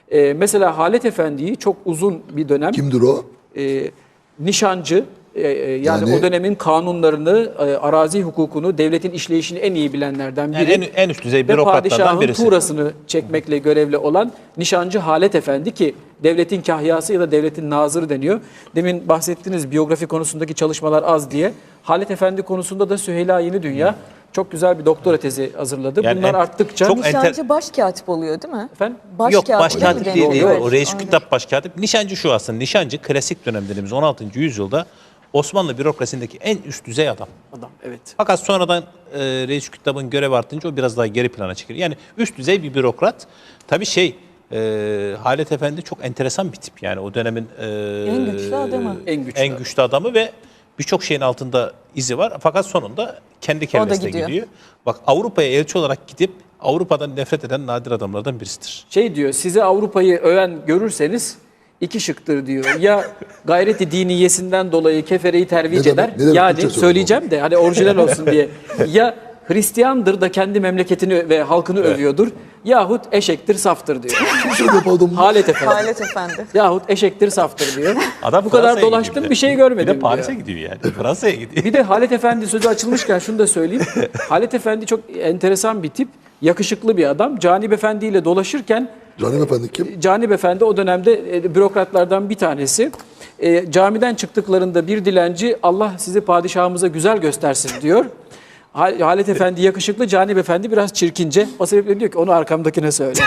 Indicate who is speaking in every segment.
Speaker 1: Mesela Halet Efendi'yi çok uzun bir dönem
Speaker 2: Kimdir o?
Speaker 1: nişancı, yani o dönemin kanunlarını, arazi hukukunu, devletin işleyişini en iyi bilenlerden biri.
Speaker 3: Yani en üst düzey
Speaker 1: ve
Speaker 3: bürokratlardan
Speaker 1: padişahın
Speaker 3: birisi.
Speaker 1: tuğrasını çekmekle görevli olan nişancı Halet Efendi, ki devletin kahyası ya da devletin nazırı deniyor. Demin bahsettiğiniz biyografi konusundaki çalışmalar az diye. Halet Efendi konusunda da Süheyla Yenidünya çok güzel bir doktora tezi hazırladı.
Speaker 3: Yani
Speaker 1: bunlar arttıkça...
Speaker 3: çok
Speaker 4: Nişancı başkatip oluyor değil mi?
Speaker 1: Efendim?
Speaker 3: Yok, başkatip
Speaker 4: mi
Speaker 3: değil.
Speaker 4: deniyor?
Speaker 3: O reis
Speaker 4: Aynen.
Speaker 3: kütap başkatip. Nişancı şu aslında. Nişancı klasik dönem dediğimiz 16. yüzyılda Osmanlı bürokrasisindeki en üst düzey adam.
Speaker 1: Adam, evet.
Speaker 3: Fakat sonradan reis kütabın görev artınca o biraz daha geri plana çekiliyor. Yani üst düzey bir bürokrat. Tabii Halet Efendi çok enteresan bir tip. Yani o dönemin
Speaker 4: En güçlü adamı.
Speaker 1: En güçlü
Speaker 3: adamı ve birçok şeyin altında izi var. Fakat sonunda kendi kellesine gidiyor. Bak, Avrupa'ya elçi olarak gidip Avrupa'dan nefret eden nadir adamlardan birisidir.
Speaker 1: Diyor, size Avrupa'yı öven görürseniz iki şıktır diyor. Ya gayreti diniyesinden dolayı kefereyi tervic
Speaker 2: Ne
Speaker 1: eder.
Speaker 2: demek? Ne demek?
Speaker 1: Yani
Speaker 2: Türkçe
Speaker 1: söyleyeceğim de hani orijinal olsun diye. Ya Hristiyandır da kendi memleketini ve halkını övüyordur. Yahut eşektir, saftır diyor.
Speaker 2: Kim söylüyor bu adamı?
Speaker 1: Halet Efendi.
Speaker 4: Halet Efendi.
Speaker 1: Yahut eşektir, saftır diyor.
Speaker 3: Adam
Speaker 1: Bu kadar
Speaker 3: Fransa'ya
Speaker 1: dolaştım,
Speaker 3: gidiyor
Speaker 1: bir şey
Speaker 3: Bir
Speaker 1: görmedim
Speaker 3: de Paris'e
Speaker 1: diyor.
Speaker 3: gidiyor yani. Fransa'ya gidiyor.
Speaker 1: Bir de Halet Efendi sözü açılmışken şunu da söyleyeyim. Halet Efendi çok enteresan bir tip. Yakışıklı bir adam. Canip Efendi ile dolaşırken
Speaker 2: Canım efendi kim?
Speaker 1: Canip Efendi o dönemde bürokratlardan bir tanesi. Camiden çıktıklarında bir dilenci, Allah sizi padişahımıza güzel göstersin diyor. Halet Efendi yakışıklı, Canip Efendi biraz çirkince. O sebeple diyor ki onu arkamdakine söyle.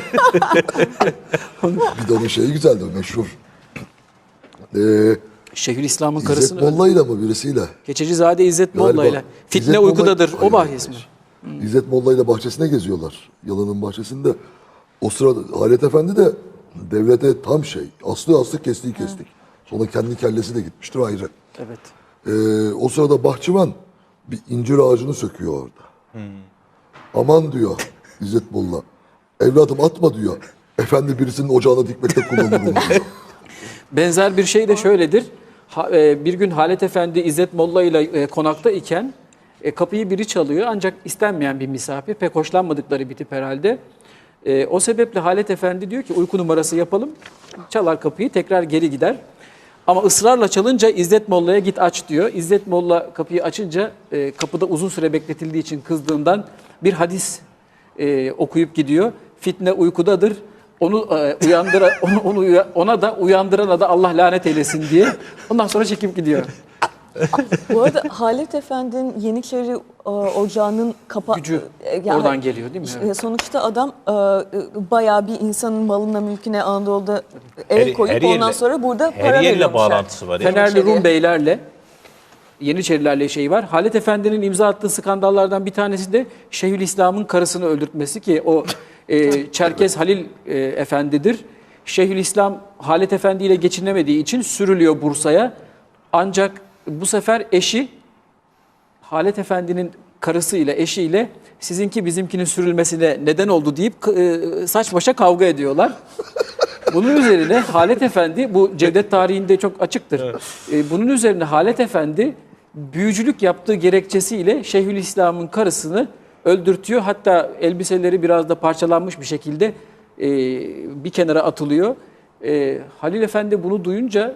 Speaker 2: Bir de onun şeyi güzeldi, meşhur.
Speaker 1: Şeyhülislam'ın
Speaker 2: İzzet
Speaker 1: karısını
Speaker 2: Molla'yla mı birisiyle?
Speaker 1: Keçecizade İzzet
Speaker 2: Galiba.
Speaker 1: Molla'yla. Fitne
Speaker 2: İzzet Molla-
Speaker 1: uykudadır. O
Speaker 2: Hayır,
Speaker 1: bahis
Speaker 2: hayır.
Speaker 1: mi?
Speaker 2: İzzet Molla'yla bahçesine geziyorlar. Yalanın bahçesinde. O sırada Halet Efendi de devlete tam aslı kestiği kestik. Sonra kendi kellesi de gitmiştir ayrı.
Speaker 1: Evet.
Speaker 2: O sırada bahçıvan bir incir ağacını söküyor orada. Aman diyor İzzet Molla. Evladım atma diyor. Efendi birisinin ocağına dikmekte kullanılır diyor.
Speaker 1: Benzer bir şey de şöyledir. Bir gün Halet Efendi İzzet Molla ile konakta iken kapıyı biri çalıyor, ancak istenmeyen bir misafir. Pek hoşlanmadıkları bir tip herhalde. O sebeple Halet Efendi diyor ki uyku numarası yapalım. Çalar kapıyı, tekrar geri gider. Ama ısrarla çalınca İzzet Molla'ya git aç diyor. İzzet Molla kapıyı açınca kapıda uzun süre bekletildiği için kızdığından bir hadis okuyup gidiyor. Fitne uykudadır. Ona da uyandırana da Allah lanet eylesin diye. Ondan sonra çekip gidiyor.
Speaker 4: Bu arada Halet Efendi'nin Yeniçeri Ocağı'nın
Speaker 1: Gücü oradan geliyor değil mi? Evet.
Speaker 4: Sonuçta adam bayağı bir insanın malına mülküne Anadolu'da el koyup ondan sonra burada para
Speaker 3: her yerle
Speaker 4: veriyormuş.
Speaker 3: bağlantısı var. Yani.
Speaker 1: Fenerli Rum beylerle, Yeniçerilerle var. Halet Efendi'nin imza attığı skandallardan bir tanesi de Şeyhülislam'ın karısını öldürtmesi, ki o Çerkez Halil Efendi'dir. Şeyhülislam Halet Efendi ile geçinemediği için sürülüyor Bursa'ya. Ancak bu sefer eşi Halet Efendi'nin karısıyla, eşiyle sizinki bizimkinin sürülmesine neden oldu deyip saç başa kavga ediyorlar. Bunun üzerine Halet Efendi, bu Cevdet tarihinde çok açıktır. Evet. Bunun üzerine Halet Efendi büyücülük yaptığı gerekçesiyle Şeyhülislam'ın karısını öldürtüyor. Hatta elbiseleri biraz da parçalanmış bir şekilde bir kenara atılıyor. Halil Efendi bunu duyunca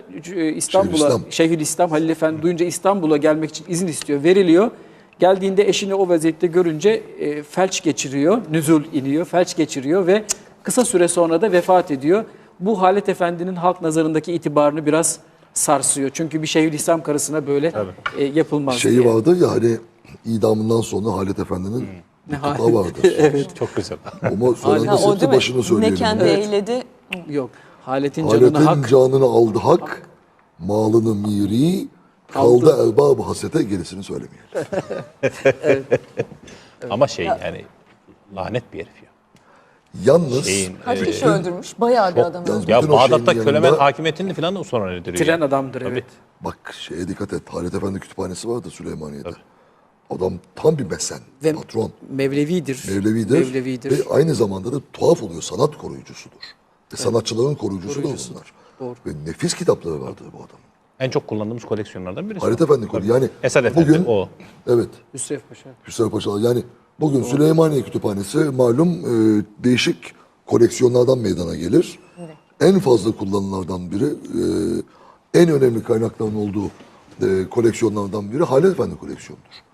Speaker 1: Şeyhülislam Halil Efendi duyunca İstanbul'a gelmek için izin istiyor, veriliyor. Geldiğinde eşini o vaziyette görünce felç geçiriyor, nüzul iniyor, felç geçiriyor ve kısa süre sonra da vefat ediyor. Bu Halet Efendi'nin halk nazarındaki itibarını biraz sarsıyor. Çünkü bir Şeyhülislam karısına böyle yapılmaz
Speaker 2: Şeyi
Speaker 1: diye.
Speaker 2: vardı ya hani idamından sonra Halet Efendi'nin tutuklağı vardır.
Speaker 1: Evet.
Speaker 3: Çok güzel.
Speaker 2: Ama sonra
Speaker 4: O
Speaker 2: nasıl
Speaker 4: değil mi?
Speaker 2: başını söyleyelim.
Speaker 4: Ne kendi eyledi.
Speaker 1: Yok. Halet'in canına
Speaker 2: Halet'in
Speaker 1: hak.
Speaker 2: canını aldı hak, malını miri, kaldı erbab-ı hasete, gerisini söylemeyelim.
Speaker 3: Ama yani lanet bir herif ya.
Speaker 2: Yalnız
Speaker 4: Kaç kişi öldürmüş? Bayağı bir adam
Speaker 2: yalnız
Speaker 4: öldürmüş.
Speaker 3: Ya
Speaker 2: bütün o
Speaker 3: Bağdat'ta
Speaker 2: şeyin
Speaker 3: Kölemen
Speaker 2: yanında-
Speaker 3: hakimiyetini falan da sonra nedir?
Speaker 1: Tren adamdır, evet.
Speaker 2: Bak şeye dikkat et. Halet Efendi kütüphanesi vardı Süleymaniye'de. Adam tam bir mesen,
Speaker 1: Ve
Speaker 2: patron,
Speaker 1: Mevlevidir.
Speaker 2: Mevlevidir. Ve aynı zamanda da tuhaf oluyor, sanat koruyucusudur. Ve sanatçıların koruyucusu da bunlar.
Speaker 1: Doğru.
Speaker 2: Ve nefis kitapları vardır bu adamın.
Speaker 3: En çok kullandığımız koleksiyonlardan birisi.
Speaker 2: Halet Efendi koruyor. Yani
Speaker 3: Esad Efendi
Speaker 2: bugün,
Speaker 3: o.
Speaker 2: evet,
Speaker 1: Hüsrev Paşa.
Speaker 2: Hüsrev Paşa. Yani bugün Süleymaniye Kütüphanesi malum değişik koleksiyonlardan meydana gelir. En fazla kullanılanlardan biri, en önemli kaynakların olduğu koleksiyonlardan biri Halet Efendi koleksiyonudur.